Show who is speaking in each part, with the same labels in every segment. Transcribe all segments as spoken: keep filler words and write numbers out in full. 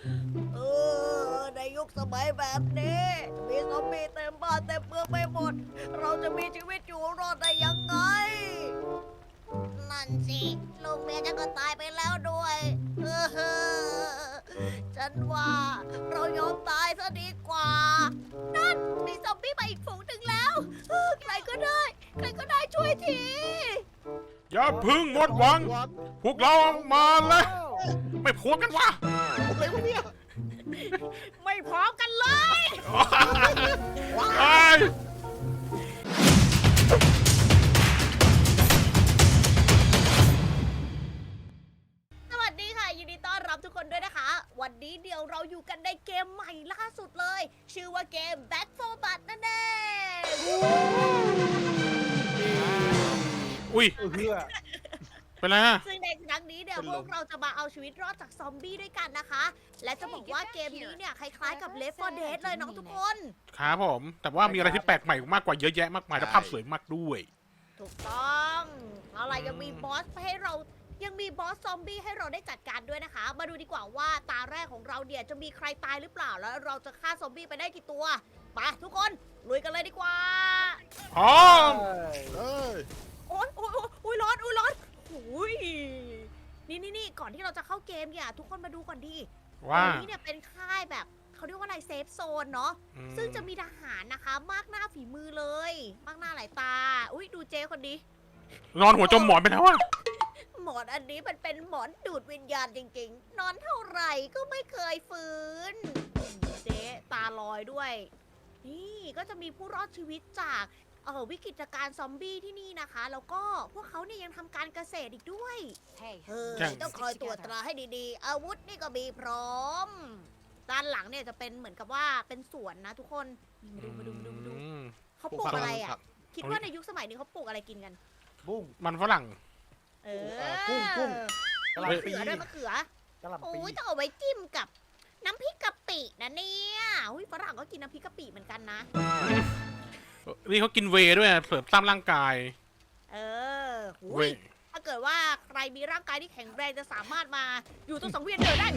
Speaker 1: เออในยุคสมัยแบบนี้มีซอมบี้เต็มบ้านเต็มเมืองไปหมด เราจะมีชีวิตอยู่รอดได้ยังไง นั่นสิลูกเมียฉันก็ตายไปแล้วด้วยเออฉันว่าเรายอมตายซะดีกว่า นั่นมีซอมบี้มาอีกฝูงหนึ่งแล้วเออใครก็ได้ ใครก็ได้ช่วยที
Speaker 2: อย่าพึ่งหมดหวัง พวกเรามาเลยไม่พูดกันวะ
Speaker 3: อะไรวะเนี่ย
Speaker 1: ไม่พร้อมกันเลย
Speaker 2: ไอ้ย
Speaker 1: สวัสดีค่ะ ยินดีต้อนรับทุกคนด้วยนะคะ วันนี้เดี๋ยวเราอยู่กันในเกมใหม่ล่าสุดเลย ชื่อว่าเกม Back for Blood นั่นเอง
Speaker 2: อุ้ย
Speaker 3: เออเพื่อ
Speaker 2: เป็นไรอะ
Speaker 1: ซึ่งในครั้งนี้เนี่ย
Speaker 3: เป็น
Speaker 1: พ
Speaker 3: ลม
Speaker 1: วกเราจะมาเอาชีวิตรอดจากซอมบี้ด้วยกันนะคะ และจะบอกว่าเกมนี้เนี่ยคล้ายๆกับ Left โฟร์ Dead เลยน้องทุกคน
Speaker 2: ครับผม แต่ว่ามีอะไรที่แปลกใหม่มากกว่าเยอะแยะมากมายและภาพสวยมากด้วย
Speaker 1: ถูกต้องเอาล่ะยังมีบอสให้เรายังมีบอสซอมบี้ให้เราได้จัดการด้วยนะคะ มาดูดีกว่าว่าตาแรกของเราเนี่ยจะมีใครตายหรือเปล่าแล้วเราจะฆ่าซอมบี้ไปได้กี่ตัวไปทุกคนลุยกันเลยดีกว่า
Speaker 2: อ๋อ
Speaker 3: เอ้ย
Speaker 1: โอ๊ยโอ๊ยโอ๊ยโอ๊ยร้อนโอ๊ยร้อนโอ้ยนี่นี่นี่ก่อนที่เราจะเข้าเกมเนี่ยทุกคนมาดูก่อนดิ
Speaker 2: ว่า
Speaker 1: ตรงนี้เนี่ยเป็นค่ายแบบเขาเรียกว่าอะไรเซฟโซนเนาะ
Speaker 2: อืม
Speaker 1: ซึ่งจะมีทหารนะคะ มากหน้าฝีมือเลย มากหน้าหลายตา อุ้ยดูเจคนนี้
Speaker 2: นอนหัวจมหมอนไปแล้วอะ
Speaker 1: หมอนอันนี้มันเป็นหมอนดูดวิญญาณจริงๆ นอนเท่าไหร่ก็ไม่เคยฟื้น เจ๊ตาลอยด้วย นี่ก็จะมีผู้รอดชีวิตจากเออวิกฤตการณ์ซอมบี้ที่นี่นะคะ แล้วก็พวกเขาเนี่ยยังทำการเกษตรอีกด้วย เออต้องคอยตรวจตราให้ดีๆ อาวุธนี่ก็มีพร้อม ด้านหลังเนี่ยจะเป็นเหมือนกับว่าเป็นสวนนะทุกคนมาดูมาดูมาดูมาดู
Speaker 2: อืม
Speaker 1: เขาปลูกอะไรอ่ะ
Speaker 3: ผัก
Speaker 1: คิดว่าในยุคสมัยนี้เขาปลูกอะไรกินกัน
Speaker 3: บุ้ง
Speaker 2: มันฝรั่ง
Speaker 1: เอ
Speaker 3: เอ่
Speaker 1: อ
Speaker 3: อกุ้งกุ้ง กะห
Speaker 1: มะ
Speaker 3: ล่ำปี
Speaker 1: เขือด้วยมะเขือ
Speaker 3: กะหล่ำ
Speaker 1: โอ้
Speaker 3: ปี
Speaker 1: ยต้องเอาไว้จิ้มกับน้ำพริกกะปินะเนี่ยอุ้ยฝรั่งก็กินน้ำพริกกะปิเหมือนกันนะ
Speaker 2: นี่เขากินเวย์ด้วยเสริมสร้างร่างกาย
Speaker 1: เออหุ
Speaker 2: เวย ย์
Speaker 1: ถ้าเกิดว่าใครมีร่างกายที่แข็งแรงจะสามารถมาอยู่ตรงสังเวียนเดินได้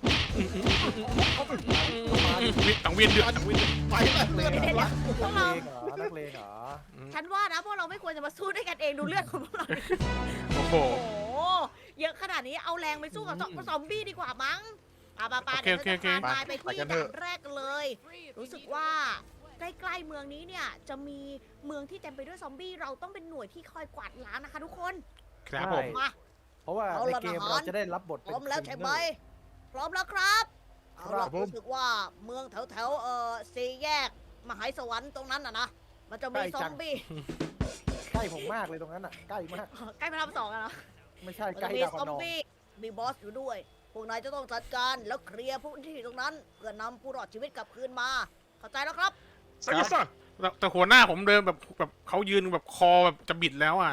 Speaker 2: สังเวียนเดือดสังเวียนเดือด
Speaker 3: ไปแล้วเลือด
Speaker 1: เดี๋ยว
Speaker 3: วะ
Speaker 1: ๆพวก
Speaker 3: นั
Speaker 1: เรา
Speaker 3: กเลงเหรอนักเลงเหรอ
Speaker 1: ฉันว่านะพวกเราไม่ควรจะมาสู้ด้วยกันเองดูเลือดของพวกเราดิ
Speaker 2: โอ้โห
Speaker 1: โอ้โหเยอะขนาดนี้เอาแรงไปสู้กับซอมบี้ดีกว่ามั้งปาปาปา
Speaker 2: โอเค
Speaker 1: เดี๋ยวเราจะ
Speaker 2: โอเค
Speaker 1: พานายไปที่ด่านแรกกันเลย รู้สึกว่าใกล้ๆเมืองนี้เนี่ยจะมีเมืองที่เต็มไปด้วยซอมบี้เราต้องเป็นหน่วยที่คอยกวาดล้างนะคะทุกคน
Speaker 2: ครับผม
Speaker 1: มา
Speaker 3: เพราะว่า
Speaker 1: เอา
Speaker 3: ใน
Speaker 1: ละ
Speaker 3: เกม
Speaker 1: ทหาร
Speaker 3: เราจะได้รับบท
Speaker 1: พ
Speaker 3: เป็น
Speaker 1: ร้อมแล้วใช่ไหม
Speaker 3: คริ
Speaker 1: พร้อมแล้วครับเอา
Speaker 3: ครั
Speaker 1: ล่ะ
Speaker 3: บผม
Speaker 1: รู้สึกว่าเมืองแถวแถวๆเอ่อสี่แยกมหาสวรรค์ตรงนั้นน่ะนะมันจะมีซอมบี้
Speaker 3: ใกล้ผมมากเลยตรงนั้นอ่ะ ใกล้มาก
Speaker 1: ใกล้พระรามสองอะเนาะ
Speaker 3: ไม่ใช่
Speaker 1: มัน
Speaker 3: ใกล้
Speaker 1: จะมี
Speaker 3: ดาว
Speaker 1: ซ
Speaker 3: คะ
Speaker 1: อม
Speaker 3: นอง
Speaker 1: บี้มีบอสอยู่ด้วย พวกนายจะต้องจัดการแล้วเคลียร์พื้นที่ตรงนั้น เพื่อนำผู้รอดชีวิตกลับคืนมา เข้าใจแล้วครับ
Speaker 2: แต่แต่หัวหน้าผมเดินแบบแบบเขายืนแบบคอแบบจะบิดแล้วอ่ะ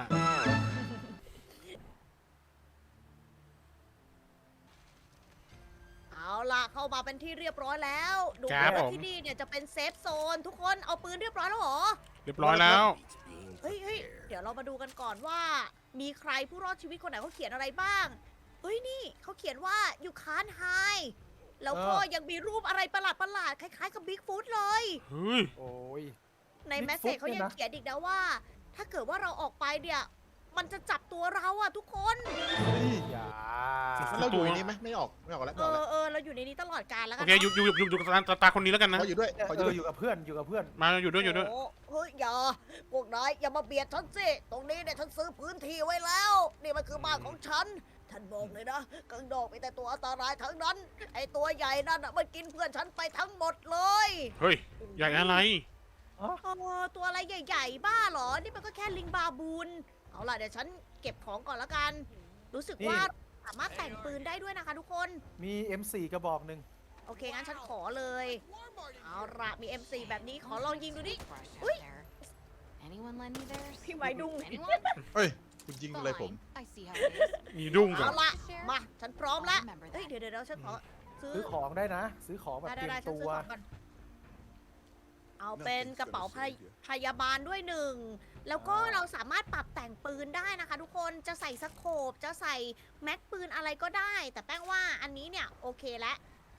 Speaker 1: เอาล่ะเข้ามาเป็นที่เรียบร้อยแล้ว ดู
Speaker 2: ครั
Speaker 1: ว่า
Speaker 2: บผม
Speaker 1: ที่นี่เนี่ยจะเป็นเซฟโซน ทุกคนเอาปืนเรียบร้อยแล้วเหรอ
Speaker 2: เรียบร้อยแล้ว
Speaker 1: เฮ้ยเฮ้ยเดี๋ยวเรามาดูกันก่อนว่า มีใครผู้รอดชีวิตคนไหนเขาเขียนอะไรบ้าง เฮ้ยนี่เขาเขียนว่า you can't hide แล้วก็ยังมีรูปอะไรประหลาดประหลาดๆคล้ายๆกับบิ๊กฟู t เลย
Speaker 2: เฮ้ย
Speaker 3: โอ้ย
Speaker 1: ใน
Speaker 3: Bigfoot
Speaker 1: แมสเซจเขายัง
Speaker 3: เนี่ยนะ
Speaker 1: เขียนอีกนะว่า ถ้าเกิดว่าเราออกไปเนี่ย มันจะจับตัวเราอะทุกคน
Speaker 3: อย่า
Speaker 4: มันเราอยู่ในนี้ไหมไม่ออกไม่ออกแล้ว
Speaker 1: เอ
Speaker 4: ไม่ออก
Speaker 1: อ
Speaker 4: แล้ว
Speaker 1: เออเราอยู่ในนี้ตลอดกาลแล้วกั
Speaker 2: โอน เคอยู่อยู่อยู่อยู่กับตาตาคนนี้แล้วกันนะ
Speaker 4: เขาอยู่ด้วย
Speaker 3: เอ
Speaker 4: เขาอยู่
Speaker 3: อ
Speaker 4: ด้วย
Speaker 3: อยู่กับเพื่อนอยู่กับเพื่อน
Speaker 2: มาอยู่ด้วยอยู่ด้วย
Speaker 1: โอ้เฮ้ยอย่าพวกนายอย่ามาเบียดฉันสิตรงนี้เนี่ยฉันซื้อพื้นที่ไว้แล้ว นี่มันคือบ้านของฉันฉันบอกเลยนะกังดอกมีแต่ตัวอันตรายทั้งนั้น ไอตัวใหญ่นั่นน่ะมันกินเพื่อนฉันไปทั้งหมดเลย
Speaker 2: เฮ้ยใหญ่อะไร
Speaker 1: เออตัวอะไรใหญ่ๆบ้าเหรอ นี่มันก็แค่ลิงบาบูนเอาล่ะเดี๋ยวฉันเก็บของก่อนละกัน รู้สึกว่าสามารถแต่งปืนได้ด้วยนะคะทุกคน
Speaker 3: มี เอ็ม โฟร์ กระบอกหนึ่ง
Speaker 1: โอเคงั้นฉันขอเลย เอาละมี เอ็ม โฟร์ แบบนี้ขอลองยิงดูดิ อุ๊ย พี่ไม้ดุ้ง
Speaker 4: เฮ้ยคุณยิงอะไรผม
Speaker 2: มีดุ้งกั
Speaker 1: เอา
Speaker 2: บ
Speaker 1: ละมา ฉันพร้อมแล้วเฮ้ย เดี๋ยวเดี๋ยวเดี๋ยวฉันขอซื้อ
Speaker 3: ซื้อของได้นะ ซื้อของแบบ
Speaker 1: ได้
Speaker 3: เตรีย
Speaker 1: ได้
Speaker 3: ม
Speaker 1: ฉัน
Speaker 3: ตั
Speaker 1: ซื้อ
Speaker 3: ว
Speaker 1: ของก่อนเอาเป็นกระเป๋าพยพยาบาลด้วยหนึ่ง แล้วก็เราสามารถปรับแต่งปืนได้นะคะทุกคน จะใส่สโคปจะใส่แม็กปืนอะไรก็ได้ แต่แป้งว่าอันนี้เนี่ยโอเคแล้ว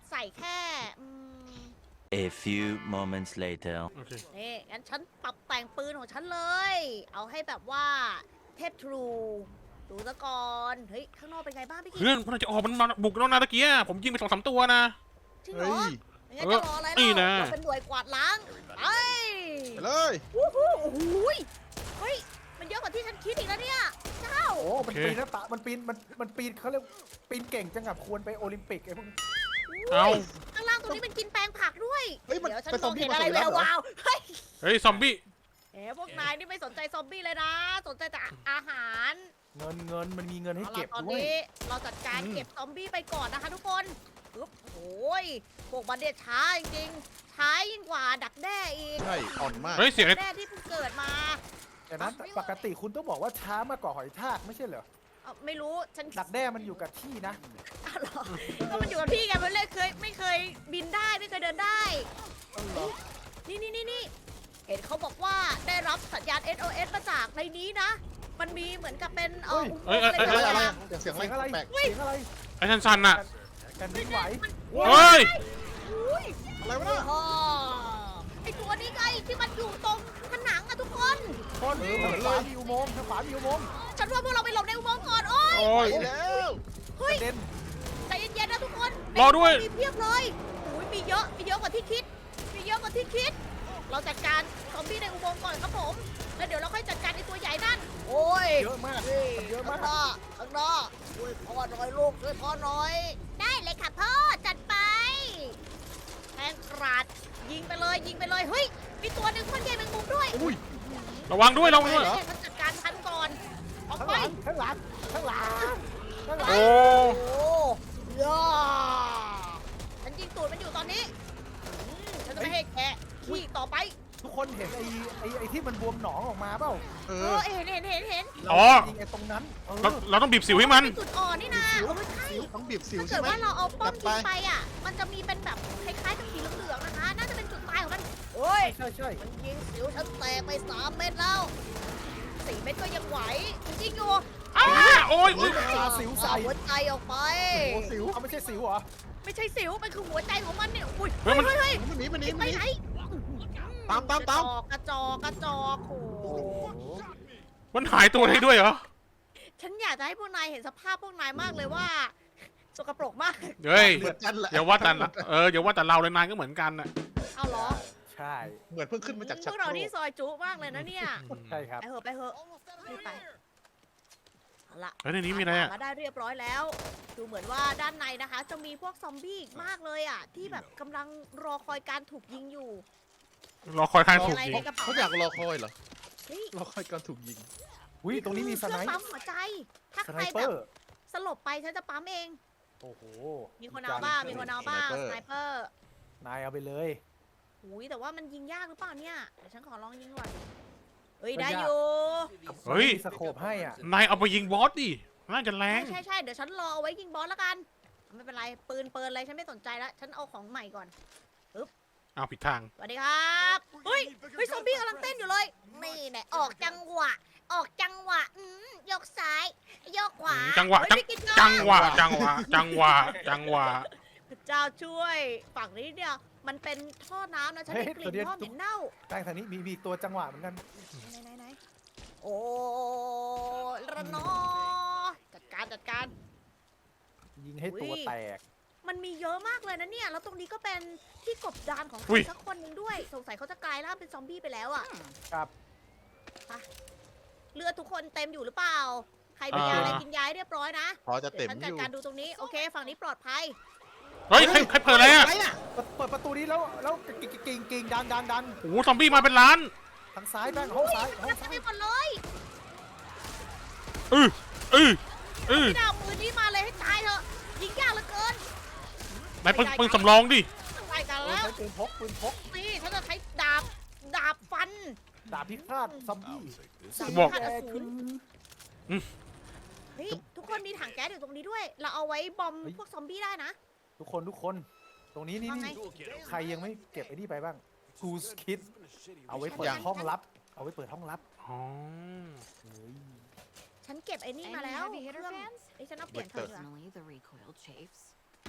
Speaker 1: ใส่แค่อืม
Speaker 5: A few moments later.
Speaker 2: โอเค
Speaker 1: นี่งั้นฉันปรับแต่งปืนของฉันเลย เอาให้แบบว่าเทพทรูดูซะก่อนเฮ้ยข้างนอกเป็นไงบ้างพี่กิ๊
Speaker 2: เพื่อนพวกเราจะออกมันมาบุกน้องนาตะเกียผมยิงไปสองสามตัวนะ
Speaker 1: จริงเหร
Speaker 4: เฮ้
Speaker 1: อย งั้น
Speaker 2: เออ
Speaker 1: จะรออะไร
Speaker 2: นี่
Speaker 1: เล่า
Speaker 2: นะ
Speaker 1: เราเป็นหน่วยกวาดล้างไป
Speaker 4: ไปเลย
Speaker 1: วู้ฮู้โอ้โหยเฮ้ยมันเยอะกว่าที่ฉันคิดอีกแล้วเนี่ยเจ้า
Speaker 3: โอ้มันปีนหน้าตามันปีนมันมันปีนเขาเรียกปีนเก่งจังกับควรไปโอลิมปิกไอ้พวกนี้
Speaker 2: เอา
Speaker 1: ข้างล่างตรงนี้เป็นกินแปลงผักด้วย
Speaker 4: เฮ้ยมัน
Speaker 1: เดี๋ยวฉัน
Speaker 4: เป็น
Speaker 1: ม
Speaker 4: ซอ
Speaker 1: อ
Speaker 4: ม
Speaker 1: ง
Speaker 4: บี้
Speaker 1: เห็น
Speaker 4: มา
Speaker 1: อะไร
Speaker 4: ถึง
Speaker 1: แว
Speaker 4: แล้ว
Speaker 1: ว
Speaker 4: เหรอ
Speaker 1: วาวเฮ้ย
Speaker 2: เฮ้ยซอมบี้
Speaker 1: เอ๋พวกนายนี่ไม่สนใจซอมบี้เลยนะ สนใจแต่อาหาร
Speaker 3: เงินเงินมันมีเงินให้
Speaker 1: เอา
Speaker 3: เก็
Speaker 1: ล่ะ
Speaker 3: บ
Speaker 1: ตอน
Speaker 3: ด้วย
Speaker 1: นี้เราจัดการ
Speaker 3: อืม
Speaker 1: เก็บซอมบี้ไปก่อนนะคะทุกคนปึ๊บโอ้ยพวกมันเนี่ยช้าจริงๆช้ายิ่งกว่าดักแด้อีก
Speaker 4: ใช่อ่อนมาก
Speaker 2: เฮ้ยเสียงไอ้
Speaker 1: แด้ที่เพิ่งเกิดมา
Speaker 3: แต่นั้นปกติคุณต้องบอกว่าช้ามากกว่าหอยทากไม่ใช่เหรอ
Speaker 1: เอ้าไม่รู้ฉัน
Speaker 3: ดักแด้มันอยู่กับที่นะ
Speaker 1: อ้าวเหรอก็มันอยู่กับพี่ไงมันเลยเคยไม่เคยบินได้ไม่เคยเดินได้
Speaker 3: เอาเหรอ
Speaker 1: นี่นี่นี่นี่เห็นเขาบอกว่าได้รับสัญญาณ เอส โอ เอส มาจากในนี้นะ มันมีเหมือนกับเป็นเอออุโมงค์อะไร
Speaker 2: เอ้ย
Speaker 1: สั
Speaker 2: เอ้
Speaker 1: ก
Speaker 2: ย
Speaker 1: อ
Speaker 4: อะไร
Speaker 1: ย่าง
Speaker 4: อะเสียงอะไร
Speaker 3: เสียงอะไร
Speaker 4: แปลก
Speaker 3: เสียงอะไร
Speaker 2: ไอ้ชันชันน่ะ
Speaker 3: แผ่นดินไหว
Speaker 2: เฮ้ย
Speaker 1: อุ้ย
Speaker 4: ๆอะไรวะเนี่ย
Speaker 1: โอ้ไอตัวนี้ไงที่มันอยู่ตรงผนังอะทุกคน
Speaker 3: คนทางขวามีอุโมงค์ทางขวามีอุโมงค์
Speaker 1: ฉันว่าพวกเราไปหลบในอุโมงค์ก่อนโอ้ย
Speaker 2: โอ้ย
Speaker 4: ไปแล้ว
Speaker 1: เฮ้ย
Speaker 3: เด่น
Speaker 1: ใจเย็นๆนะทุกคน
Speaker 2: รอด้วย
Speaker 1: มีเพียบเลยอุ้ยมีเยอะมีเยอะกว่าที่คิด มีเยอะกว่าที่คิด เราจัดการซอมบี้ในอุโมงค์ก่อนครับผม แล้วเดี๋ยวเราค่อยจัดการไอตัวใหญ่นั่น โอ้ย
Speaker 3: เยอะมากมันเยอะมาก
Speaker 1: ข้างหน้าข้างหน้าช่วยพ่อหน่อยลูกช่วยพ่อหน่อย ได้เลยค่ะพ่อจัดไปแทงกราดยิงไปเลยยิงไปเลยเฮ้ยมีตัวหนึ่งคนใหญ่แมงมุมด้วย
Speaker 4: อุ้ย
Speaker 2: ระวังด้วยระวังด้วย
Speaker 1: เดี๋ยวฉันจัดการทันก่อนออก
Speaker 3: ข้าง
Speaker 1: ไป
Speaker 3: หลังข้างหลังข้างหลังข้างหลัง
Speaker 2: โอ้
Speaker 1: โอ้ย่าฉันยิงตูดมันอยู่ตอนนี้อืมฉันจะไม่ให้แกะขี้ต่อไป
Speaker 3: ทุกคนเห็นไอ้ไอ้ไอ้ที่มันบวมหนองออกมาเปล่า
Speaker 4: เอ
Speaker 1: เอ
Speaker 4: อ
Speaker 1: อเห็นเห็นเห็นเห็น
Speaker 2: อ๋อ
Speaker 3: ยิงไอ้ตรงนั้นเออ
Speaker 2: เราเราต้องบีบสิวให้มัน
Speaker 1: เป็นจุดอ่อนนี่นะเออใช่
Speaker 4: ต้องบีบสิว
Speaker 1: ถ้า
Speaker 4: ใช่
Speaker 1: เกิด
Speaker 4: ไหม
Speaker 1: ว่าเราเอาป้อม
Speaker 4: จั
Speaker 1: ยิ
Speaker 4: ด
Speaker 1: ง
Speaker 4: ไป
Speaker 1: ไปอ่ะ มันจะมีเป็นแบบคล้ายๆกับสีเหลืองๆนะคะ น่าจะเป็นจุดตายของมันโอ้ย
Speaker 3: ใช่ใช่
Speaker 1: มันยิงสิวฉันแตกไปสามเม็ดแล้วสี่เม็ดก็ยังไหวมันยิงอยู่
Speaker 2: อ้าโอ้ย
Speaker 3: เฮ้ยมันปาสิวใส่
Speaker 1: เอาหัวใจออกไป
Speaker 3: โอ้สิวเอาไม่ใช่สิวเหรอ
Speaker 1: ไม่ใช่สิว มันคือหัวใจของมันเนี่ยอุ้ย
Speaker 2: เฮ้
Speaker 1: เฮ้
Speaker 2: ย
Speaker 1: ย
Speaker 2: มัน
Speaker 1: เฮ้ยเฮ้ย
Speaker 4: มันหนีมันหนี
Speaker 1: ไป
Speaker 4: มันหนี
Speaker 1: ไหน
Speaker 4: ตามตามตาม
Speaker 1: กระจอกกระจอกโอ้โห
Speaker 2: มันหายตัวได้ด้วยเหรอ
Speaker 1: ฉันอยากจะให้พวกนายเห็นสภาพพวกนายมากเลยว่าสกปรกมาก
Speaker 2: เฮ้ย
Speaker 4: เหมือนกันแหละ
Speaker 2: อย่าว่าแต่ละเอออย่าว่าแต่เราเลยนายก็เหมือนกันน่ะ
Speaker 1: เอาเหรอ
Speaker 3: ใช่
Speaker 4: เหมือนเพิ่งขึ้นมาจาก
Speaker 1: พ
Speaker 4: ชัก
Speaker 1: วก
Speaker 4: โค
Speaker 1: เรา
Speaker 4: ร
Speaker 1: นี่
Speaker 4: ก
Speaker 1: ซอยจุมากเลยนะเนี่ย
Speaker 3: ใช่ครับ
Speaker 1: ไปเหอะไปเหอะรีบไปเอาละ
Speaker 2: เฮ้ยในนี้มีอะไรอ่ะ
Speaker 1: มาได้เรียบร้อยแล้ว ดูเหมือนว่าด้านในนะคะ จะมีพวกซอมบี้อีกมากเลยอ่ะ ที่แบบกำลังรอคอยการถูกยิงอยู่
Speaker 2: รอคอยทาง
Speaker 1: มี
Speaker 2: ถูก
Speaker 1: อะไร
Speaker 2: ยิง
Speaker 1: ในกระเป๋า
Speaker 4: เขาอยากรอคอยเหรอ
Speaker 1: เฮ้ย
Speaker 4: รอคอยการถูกยิง
Speaker 3: อุ้ยตรงนี้มีส
Speaker 1: เค
Speaker 3: ไน
Speaker 1: รื่อง
Speaker 3: ป์
Speaker 1: ปั๊มหัวใจ ถ้า
Speaker 3: ส
Speaker 1: ใค
Speaker 3: ไน
Speaker 1: ร
Speaker 3: เป
Speaker 1: แบ
Speaker 3: อบ ร์
Speaker 1: สลบไปฉันจะปั๊มเอง
Speaker 3: โอ้โห
Speaker 1: มีคนเอาบ้างมีคนเอาบ้างสไนเปอร์
Speaker 3: นายเอาไปเลย
Speaker 1: อุ้ยแต่ว่ามันยิงยากหรือเปล่าเนี่ย เดี๋ยวฉันขอลองยิงก่อนเฮ้ยได้อยู่
Speaker 2: เฮ้ย
Speaker 3: มีสโคปให้อ่ะ
Speaker 2: นายเอาไปยิงบอสดิน่าจะแร
Speaker 1: ใช่
Speaker 2: ง
Speaker 1: ใช่ใช่เดี๋ยวฉันรอเอาไว้ยิงบอสแล้วกัน ไม่เป็นไร ปืนเปินอะไรฉันไม่สนใจแล้ว ฉันเอาของใหม่ก่อน
Speaker 2: เอาผิดทาง
Speaker 1: สวัสดีครับ เฮ้ย เฮ้ย ซอมบี้กำลังเต้นอยู่เลย นี่แน่ออกจังหวะ ออกจังหวะ อืมยกซ้าย ยกขวา
Speaker 2: จังหวะ
Speaker 1: เฮ้ย
Speaker 2: จัง
Speaker 1: พี่กิต
Speaker 2: จังหวะจังหวะจังหวะจังหวะ
Speaker 1: พระเจ้าช่วย ฝั่งนี้เนี่ย มันเป็นท่อน้ำนะ ฉันได้กลิ่นท่อเหม็นเน่า
Speaker 3: แป้งทางนี้มีมีตัวจังหวะเหมือนกัน
Speaker 1: ไหนไหนไหนโอ้ระนอ จัดการจัดการ
Speaker 3: ยิงให้ตัว
Speaker 1: อุ้ย
Speaker 3: แตก
Speaker 1: มันมีเยอะมากเลยนะเนี่ย แล้วตรงนี้ก็เป็นที่กบดานของใค
Speaker 2: อุ้
Speaker 1: ร
Speaker 2: ย
Speaker 1: สักคนหนึ่งด้วย สงสัยเขาจะกลายร่างเป็นซอมบี้ไปแล้วอะ
Speaker 3: ครับ
Speaker 1: เลือดทุกคนเต็มอยู่หรือเปล่า ใครมียาอะไรกินยาให้เรียบร้อยนะ
Speaker 4: พอจะ
Speaker 1: เดี๋
Speaker 4: เต็
Speaker 1: ย
Speaker 4: ม
Speaker 1: วฉัน
Speaker 4: อ
Speaker 1: จัด
Speaker 4: ยู่
Speaker 1: การดูตรงนี้ โอเค ฝั่งนี้ปลอดภัย
Speaker 2: เฮ้ยใครใครเปิดอะไรอ่ะ
Speaker 4: อะไรน่ะ
Speaker 3: เปิดเปิดประตูนี้แล้วแล้วกิ่งกิ่งกิ่งดันดันดัน
Speaker 2: โอ้โหซอมบี้มาเป็นล้าน
Speaker 3: ทางซ้ายแป้งห้องซ้ายห้อง
Speaker 1: ทำ
Speaker 3: ซ้าย
Speaker 1: ไปหมดเลย
Speaker 2: เออเออเออ
Speaker 1: พี่ดาวมือนี้มาเลยให้ตายเถอะยิงยากเหลือเกิน
Speaker 2: นายปืนปืนสำรองดิ
Speaker 1: ไปกัน
Speaker 3: เออ
Speaker 1: แล้ว
Speaker 3: ใช้ปืนพกปืนพก
Speaker 1: นี่ฉันจะใช้ดาบ ดาบฟัน
Speaker 3: ดาบพิฆาตซอมบี้
Speaker 1: ดาบ
Speaker 2: บอก
Speaker 1: พิฆาตอ
Speaker 3: แก
Speaker 1: สู
Speaker 3: คื
Speaker 1: ร
Speaker 3: อ
Speaker 1: เฮ้ย ทุกคนมีถังแก๊สอยู่ตรงนี้ด้วย เราเอาไว้บอมพวกซอมบี้ได้นะ
Speaker 3: ทุกคนทุกคนตรงนี้นี่
Speaker 1: ว่าไง
Speaker 3: นี่ใครยังไม่เก็บไอ้นี่ไปบ้างกูสคิดเอาไว้เปิด
Speaker 1: ยัง
Speaker 3: ห้องลับ เอาไว้เปิดห้องลับ
Speaker 2: อ๋อ
Speaker 3: เฮ้ย
Speaker 1: ฉันเก็บไอ้นี่มา
Speaker 6: Any
Speaker 1: แล้ว
Speaker 6: heavy hitter
Speaker 1: เครื่อง
Speaker 6: fans?
Speaker 1: ไอ้ยฉันเอาเปลี่ยนเธอดีกว่า
Speaker 6: Unfortunately, the recoil chafes.
Speaker 1: โ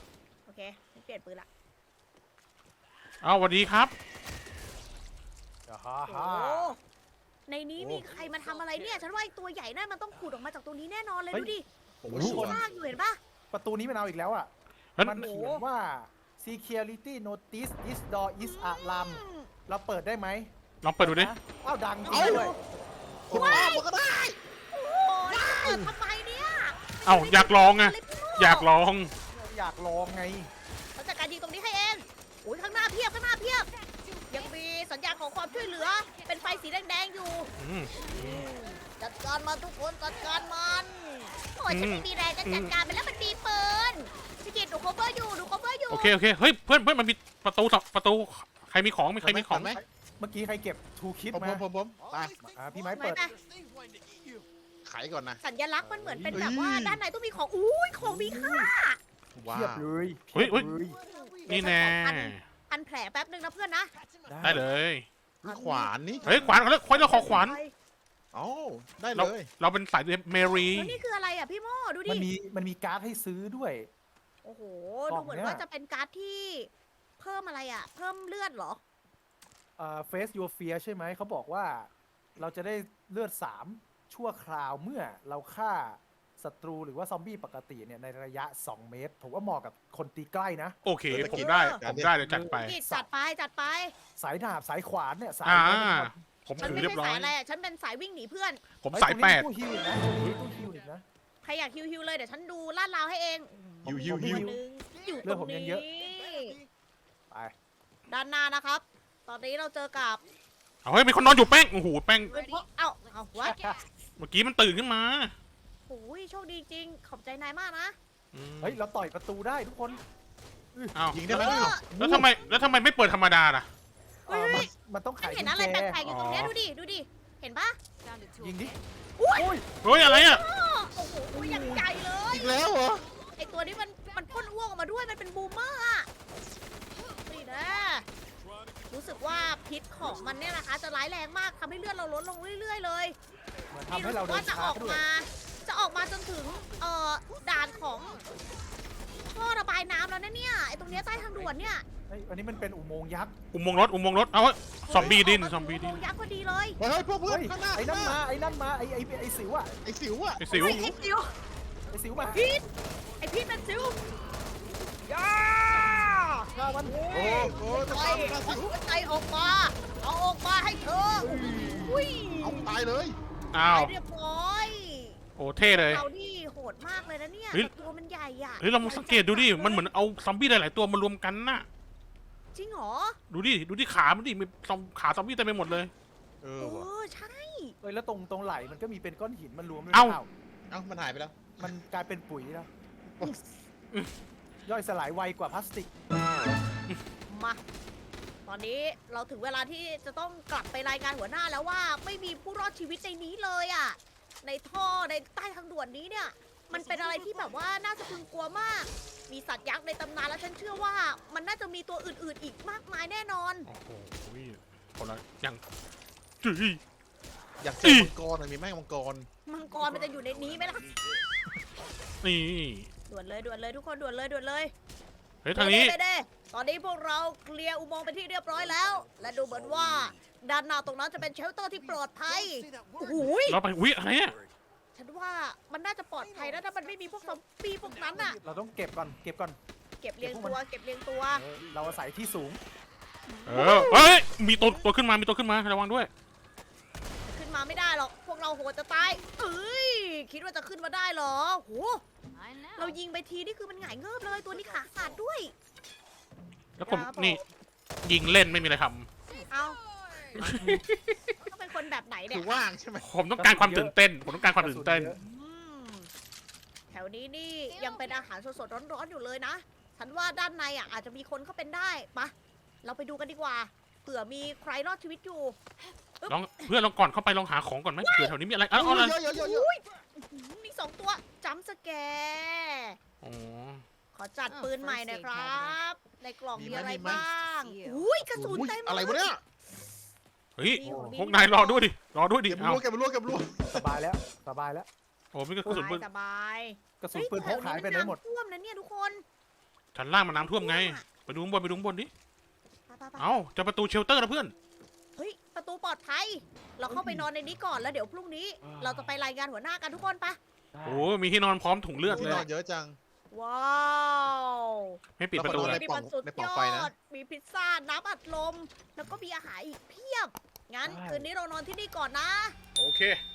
Speaker 1: อเคฉันเปลี่ยนปืนละ
Speaker 2: เอาสวัสดีครับ
Speaker 3: ฮ่า
Speaker 1: โอ้
Speaker 3: ฮ่า
Speaker 1: ในนี้มีใครมาทำอะไรเนี่ย ฉันว่าไอ้ตัวใหญ่นั่นมันต้องขุดออกมาจากตรงนี้แน่นอนเลย
Speaker 3: เฮ้ย
Speaker 1: ดูดิ
Speaker 4: ผม
Speaker 1: มัน
Speaker 4: รู้
Speaker 1: มี
Speaker 4: ว่า
Speaker 1: ซากอยู่เห็นปะ
Speaker 3: ประตูนี้มันเอาอีกแล้วอ่ะ
Speaker 2: มัน
Speaker 3: มันเขียนว่า security notice this door is alarm
Speaker 1: อืม
Speaker 3: เราเปิดได้ไหม
Speaker 2: ลองเปิดดูดิ
Speaker 3: นะอ้าวดังจริ
Speaker 1: เอา
Speaker 3: งด้วย
Speaker 4: ผมอ้อมมันก็ได้
Speaker 1: โอ้ยเปิดทำไมเนี่ย
Speaker 2: เอ้าอยากลองไง
Speaker 1: ะไรพี่โม่
Speaker 2: อยากลอง
Speaker 3: อยากลองไง
Speaker 1: เขาจัดการยิงตรงนี้ให้เองโอ้ยข้างหน้าเพียบข้างหน้าเพียบ ยังมีสัญญาณของความช่วยเหลือ เป็นไฟสีแดงๆอยู่
Speaker 2: อืม
Speaker 1: จัดการมันทุกคนจัดการมันโอ้ยฉัน
Speaker 2: อืม
Speaker 1: ไม่มีแรงจะจัดการมันแล้วมันมีปืนพี่กิตหนู cover อยู่หนู cover อยู่
Speaker 2: โอเคโอเคเฮ้ยเพื่อนเพื่อนมันมีประตูสองประตูใครมีของมีใครมีของ
Speaker 4: ไหม
Speaker 3: เมื่อกี้ใครเก็บทูคิด
Speaker 4: ผม
Speaker 3: มา
Speaker 4: ผมผมผมไป
Speaker 3: อ่าพี่ไม้
Speaker 1: ไม่
Speaker 3: เปิด
Speaker 1: นะ
Speaker 4: ไขก่อนนะ
Speaker 1: สัญลักษณ์มันเหมือนเป็น
Speaker 4: เฮ้ย
Speaker 1: แบบว่าด้านในต้องมีของอุ้ยของมีค่า
Speaker 4: ว้า
Speaker 3: เทียบ
Speaker 4: ว
Speaker 3: เลย
Speaker 2: เฮ้ยเฮ้ย
Speaker 3: พีบเลย
Speaker 2: นี่แน่
Speaker 1: อันแผลแป๊บนึงนะเพื่อนนะ
Speaker 2: ได้เลย
Speaker 4: นี่ขวานนี่
Speaker 2: เฮ้ยขวานเขาเรียกขวานเราขอขวาน
Speaker 4: เอ้าได้
Speaker 2: เรา
Speaker 4: เลย
Speaker 2: เราเป็นสายเมรี
Speaker 1: แล้วนี่คืออะไรอ่ะพี่โม่ดูดิ
Speaker 3: มันมีมันมีการ์ดให้ซื้อด้วย
Speaker 1: โอ้โห
Speaker 3: กล่
Speaker 1: ดู
Speaker 3: อง
Speaker 1: เหมือน
Speaker 3: เนี่ย
Speaker 1: ว่าจะเป็นการ์ดที่เพิ่มอะไรอ่ะ เพิ่มเลือดเหรอ
Speaker 3: อ่า face your fear ใช่ไหมเขาบอกว่า เราจะได้เลือดสามชั่วคราวเมื่อเราฆ่าศัตรูหรือว่าซอมบี้ปกติเนี่ยในระยะ สอง เมตรผมว่าเหมาะกับคนตีใกล้นะ
Speaker 2: โอเคผมได้ผมได้เดี๋ยวจัดไป
Speaker 1: นี่จัดไปจัดไป
Speaker 3: สายดาบสายขวานเนี่ยสาย
Speaker 2: อ่า
Speaker 3: ไม้เป็นคน
Speaker 2: ผม
Speaker 1: ฉัน
Speaker 2: ถือ
Speaker 1: ไม่
Speaker 2: เรีย
Speaker 1: ใช่
Speaker 2: บร้อ
Speaker 1: สาย ยอะไรอ่ะ ฉันเป็นสายวิ่งหนีเพื่อน
Speaker 2: ผม
Speaker 3: เฮ้
Speaker 2: สาย
Speaker 3: ตรง
Speaker 2: แป
Speaker 3: นี้
Speaker 2: ด
Speaker 3: มีตู้ฮิวอีกนะตรงนี้มีตู้ฮิวอีกนะ
Speaker 1: ใครอยากฮิวฮิวเลยเดี๋ยวฉันดูลาดราวให้เอง
Speaker 4: ฮิวฮิว
Speaker 3: ผม
Speaker 4: ฮิว
Speaker 3: ฮิว
Speaker 1: หนึ่งอยู่
Speaker 3: เลื
Speaker 1: ต
Speaker 3: อด
Speaker 1: ร
Speaker 3: ผม
Speaker 1: ง
Speaker 3: ยัง
Speaker 1: นี้
Speaker 3: เยอะ ไป
Speaker 1: ด้านหน้านะครับ ตอนนี้เราเจอกับ
Speaker 2: เอาเฮ้ยมีคนนอนอยู่แป้งโอ้โหแป้ง
Speaker 1: เอ้าเอาวะ
Speaker 2: เมื่อกี้มันตื่นขึ้นมา
Speaker 1: โอ้ยโชคดีจริง ขอบใจนายมากนะ
Speaker 2: อืม
Speaker 3: เฮ้ยเราต่อยประตูได้ทุกคน
Speaker 2: อ้าว
Speaker 4: ยิงได้ไหม
Speaker 1: เออ
Speaker 2: แล้วทำไมแล้วทำไมไม่เปิดธรรมดาล่ะ
Speaker 3: เอ่อมันมันต้องไข
Speaker 1: ฉันเห็น
Speaker 3: กุญ
Speaker 1: อะไร
Speaker 3: แจ
Speaker 1: แปลกๆอยู่ตรงเนี้ย
Speaker 2: อ๋อ
Speaker 1: ดูดิ ดูดิ เห็นปะ
Speaker 3: ยิงดิ
Speaker 1: อุ้ย
Speaker 3: โอ้ย
Speaker 2: เฮ้ยอะไรอ่ะ
Speaker 1: โอ้โหอย่างใหญ่เลย
Speaker 4: อีกแล้วเหรอ
Speaker 1: ไอตัวนี้มันมันพ่นอ้วกออกมาด้วย มันเป็นบูมเมอร์อะนี่นะ รู้สึกว่าพิษของมันเนี่ยนะคะ จะร้ายแรงมากทำให้เลือดเราลดลงเรื่อยๆเลย
Speaker 3: มันทำให้เราเดิ
Speaker 1: ว่าน จะ
Speaker 3: ช้า
Speaker 1: ออก
Speaker 3: ด้วย
Speaker 1: มา จะออกมาจนถึงเอ่อด่านของท่อระบายน้ำแล้วนะเนี่ยไอตรงเนี้ยใต้ทางด่วนเนี่ย
Speaker 3: เฮ้ยอันนี้มันเป็นอุโมงค์ยักษ์
Speaker 2: อุโมงค์รถอุโมงค์รถเอาเฮ้ยซอมบี้ดิน
Speaker 1: เฮ้ย
Speaker 2: ซอมบี้ดิน
Speaker 1: โโหยักษ์พอดีเลย
Speaker 4: เฮ้ยเฮ้ยพวกเพื่อ
Speaker 3: เฮ้
Speaker 4: น
Speaker 3: ย
Speaker 4: ข้างหน้า
Speaker 3: ไอ้นั่น
Speaker 4: ข้างห
Speaker 3: มาไอ้นั่นมาไอ้ไอ้ไอ้สิวอะ
Speaker 4: ไอ้สิวอะ
Speaker 2: ไอ้สิว
Speaker 1: ไอ้ไอ้ซิว
Speaker 3: ไอ้สิวมา
Speaker 1: พีทไอพีทเป็นซิวย่า
Speaker 3: ฆ่ามัน
Speaker 4: โอ้โหจะ
Speaker 1: ไป
Speaker 4: ตามมา
Speaker 1: เอา
Speaker 4: สิว
Speaker 1: หัวใจออกมา เอาออกมาให้เธออุ้ย
Speaker 4: เอาตายเลย
Speaker 2: อ้าว
Speaker 1: ไปเรียบร้อย
Speaker 2: โอ้เท่เลย
Speaker 1: เรานี่โหดมากเลยนะเนี่ย
Speaker 2: เฮ้ย
Speaker 1: แต่ตัวมันใหญ่อะ
Speaker 2: เฮ้ยเรามาสังเกตดูดิมันเหมือนเอาซอมบี้หลายๆตัวมารวมกันน่ะ
Speaker 1: จริงเหรอ
Speaker 2: ดูดิดูดิขามันดิมีซอมขาซอมบี้เต็มไปหมดเลย
Speaker 4: เอ
Speaker 1: เอ
Speaker 4: อว่ะ
Speaker 1: อใช่
Speaker 3: เฮ้ยแล้วตรงตรงไหล่มันก็มีเป็นก้อนหินมันรวมด้วย
Speaker 2: เอ้า
Speaker 3: เปล่า
Speaker 4: เอ้ามันหายไปแล้ว
Speaker 3: มันกลายเป็นปุ๋ยแล้ว ย่อยสลายไวกว่าพลาสติก
Speaker 1: มา ตอนนี้เราถึงเวลาที่จะต้องกลับไปรายงานหัวหน้าแล้วว่าไม่มีผู้รอดชีวิตในนี้เลยอ่ะ ในท่อในใต้ทางด่วนนี้เนี่ย มันเป็นอะไรที่แบบว่าน่าสะพรึงกลัวมาก มีสัตว์ยักษ์ในตำนานแล้วฉันเชื่อว่า มันน่าจะมีตัวอื่นๆอีกมากมายแน่นอน
Speaker 2: โอ้โหคนละยังจุย
Speaker 4: อยากเจ
Speaker 2: อี
Speaker 4: อมังกรหน่อยมีไหมมังกร
Speaker 1: มังกรมันจะอยู่ในนี้ไหมล่ะ
Speaker 2: นี่
Speaker 1: ด่วนเลยด่วนเลยทุกคนด่วนเลยด่วนเลย
Speaker 2: เฮ้ยทางนี้
Speaker 1: เด้ๆๆตอนนี้พวกเราเคลียร์อุโมงค์เป็นที่เรียบร้อยแล้ว และดูเหมือนว่าด้านหน้าตรงนั้นจะเป็นเชลเตอร์ที่ปลอดภัยโอ้โหย
Speaker 2: เราไปอุ้ยอะไรอ่ะ
Speaker 1: ฉันว่ามันน่าจะปลอดภัยนะถ้ามันไม่มีพวกซอมบี้พวกนั้นอะ
Speaker 3: เราต้องเก็บก่อน เก็บก่อน
Speaker 1: เก็บเรียงตัวเก็บเรียงตัว
Speaker 3: เออเราอาศัยที่สูง
Speaker 2: เออเฮ้ยมีตัวตัวขึ้นมามีตัวขึ้นมาระวังด้วย
Speaker 1: ขึ้นมาไม่ได้หรอกพวกเราโหดจะตายเอ้ยคิดว่าจะขึ้นมาได้เหรอโหเรายิงไปทีนี่คือมันหงายเงิบเลยตัวนี้ขาขาดด้วย
Speaker 2: แล้วผมนี่ยิงเล่นไม่มีอะไรท
Speaker 1: เอาต้องเป็นคนแบบไหนเนี่
Speaker 4: คื
Speaker 1: ย
Speaker 4: อว่างใช่ไหม
Speaker 2: ำผมต้องการความตื่นเต้น ผมต้องการความตื่นเต้น
Speaker 1: อืมแถวนี้นี่ยังเป็นอาหารสดๆร้อนๆอยู่เลยนะ ฉันว่าด้านในอ่ะอาจจะมีคนเข้าเป็นได้ปะเราไปดูกันดีกว่า เผื่อมีใครรอดชีวิตอยู่
Speaker 2: ลองเพื่อนลองก่อนเข้าไปลองหาของก่อนไหมเผื่อแถวนี้มีอะไรเอาเอาอะไร
Speaker 4: เยอะเยอะเยอะเยอะ
Speaker 1: อุ้ยอื้อหือมีสองตัวจัมป์สแกร์
Speaker 2: อ๋อ
Speaker 1: ขอจัดปืนใหม่หน่อยครับ ในกล่อง
Speaker 4: มี
Speaker 1: มี
Speaker 4: ไหม
Speaker 1: อะไร
Speaker 4: มีไหม
Speaker 1: บ้าง อุ้ยกระสุน
Speaker 4: อุ๊ย
Speaker 1: เต็มเลย
Speaker 4: อะไรวะเนี่ย
Speaker 2: เฮ้ย
Speaker 1: มีหัมี
Speaker 2: พวกนายรอด้วยดิรอด้วยดิ
Speaker 4: เก็บ
Speaker 2: เอา
Speaker 4: รัวเก็บรัวเก็บรัว
Speaker 3: สบายแล้ว สบายแล้ว
Speaker 2: โอ้มีกระสุนปืน
Speaker 1: สบาย
Speaker 3: กระสุน
Speaker 1: เฮ้ย
Speaker 3: ปืนพกหายไปไหนหมด
Speaker 1: แถวนี้มันน้ำท่วมนะเนี่ยทุกคน
Speaker 2: ชั้นล่างมันน้ำท่วมไง ไปดูข้างบนไปดูข้างบนดิ
Speaker 1: ไปไปไป
Speaker 2: เอ้าเจะประตูเชลเตอร์นะเพื่อน
Speaker 1: เฮ้ย ประตูปลอดภัย เราเข้าไปนอนในนี้ก่อนแล้วเดี๋ยวพรุ่งนี้ เราจะไปรายงานหัวหน้ากันทุกคนปะ
Speaker 2: โอ้มีที่นอนพร้อมถุงเลือด
Speaker 4: ที่
Speaker 2: เลย
Speaker 4: นอนเยอะจัง
Speaker 1: ว้าว
Speaker 2: ไม่ปิดประตู
Speaker 4: แล้ว
Speaker 2: เล
Speaker 4: ก็
Speaker 2: ย
Speaker 4: นอน
Speaker 1: นี่มันสุด
Speaker 4: ใน
Speaker 1: ย
Speaker 4: ปล่อง
Speaker 1: อ
Speaker 4: ไฟนะ
Speaker 1: ด มีพิซซ่า น้ำอัดลม แล้วก็มีอาหารอีกเพียบ งั้นคืนนี้เรานอนที่นี่ก่อนนะ
Speaker 2: โอเค